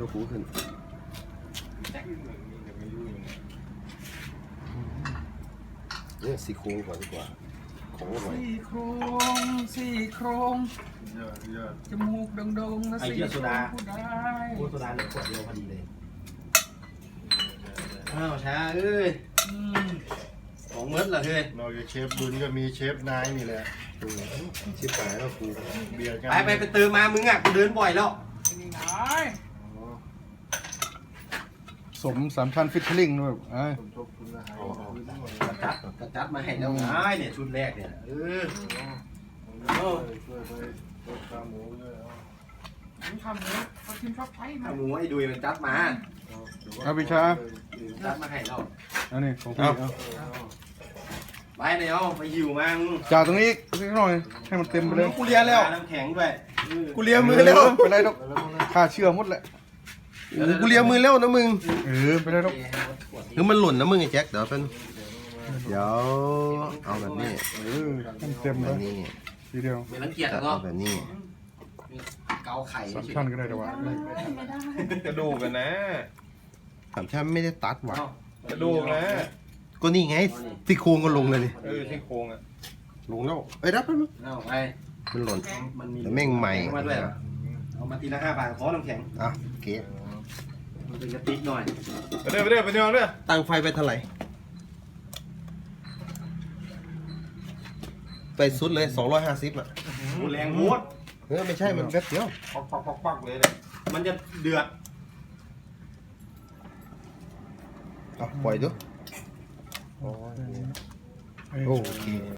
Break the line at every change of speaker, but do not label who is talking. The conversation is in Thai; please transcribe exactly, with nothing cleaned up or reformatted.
ตัวหูขึ้นเนี่ยสี่โครงก่อนดีกว่าของอร่อย
สี่โครงสี่โครงจมูกโด่งๆนะสี่โครงผู้ได้
โอ้โซดาเนี่ยขวดเดียวพอดีเลยอ้าวช้าเอ้ยของเมิดเหรอเฮ้ย
นอกจากเชฟบุญก็มีเชฟนายนี่แหละ
ชิบหายแล้วกู
เบียร์กัน
ไปไปไปเติมมามึงอ่ะกูเดินบ่อยแล้ว
นี่ไง
สมสามชั้นฟิตเทอร์ลิงด้วยไอ้
สมทบทุนอาหาร
กระจัดกระจัดมาให้แล้วไงเนี่ยชุดแรกเนี่ยเออ
ช่วยไปลดค่าหมูด้วยเอา
ผมทำเนื้อเขากินชอบใช้นะ
เอาหมูไอ้ดุยมันจัดมา
เอาพิชา
จัดมาให้เรา
อันนี้ของพี่เอา
ไปเลยเอาไปหิวมามึง
จ่าตรงนี้สักหน่อยให้มันเต็มไปเลย
กูเลียแล้วน้ำแข็งด้วย
กูเลียมือแล้ว
ไปเลยดอกค่าเชื่อหมดแหละ
กูเลียมือแล้วนะมึง
เออไปเลยดอก
คือมันหล่นนะมึงไอ้แจ็คเดี๋ยวเป็นเดี๋ยวเอาแบบนี้
เออให้มันเต็ม
แบ
เล
บ
ย
นี้
ทีเดียว
ไม่รังเกียจ
จะ
หรอ
เอาแบบนี้
เกาไข่
สามชั้นก็ได้แต่ว่า
กระดูกกันนะ
สามชั้นไม่ได้ตัดว่ะ
กระดูกนะ
ก็นี่ไงที่โครงก็ลงเลยนี่
เออที่โครงอ่ะ
ลงแล้วเอ้ยรับมัน
เอาไป
มันหล่น
มันมี
แต่แม่งใหม่
มาด้วยเอามาทีละห้าบาทขอน้ำแข็ง
อ่ะโอเค
มันเป็นกระติกหน่อย
ไปเด้อไปเด้อไปเด้อเด้อ
ตั้งไฟไปเท่าไหร่ไปสุดเลยสองร้อยห้าสิบอ่ะ
แรงโหด
เออไม่ใช่มันแป๊บเดียว
ปักปักปักปักเลยเนี่ย
มันจะเดือด
เอาปล่อยดู
เออ
โอเค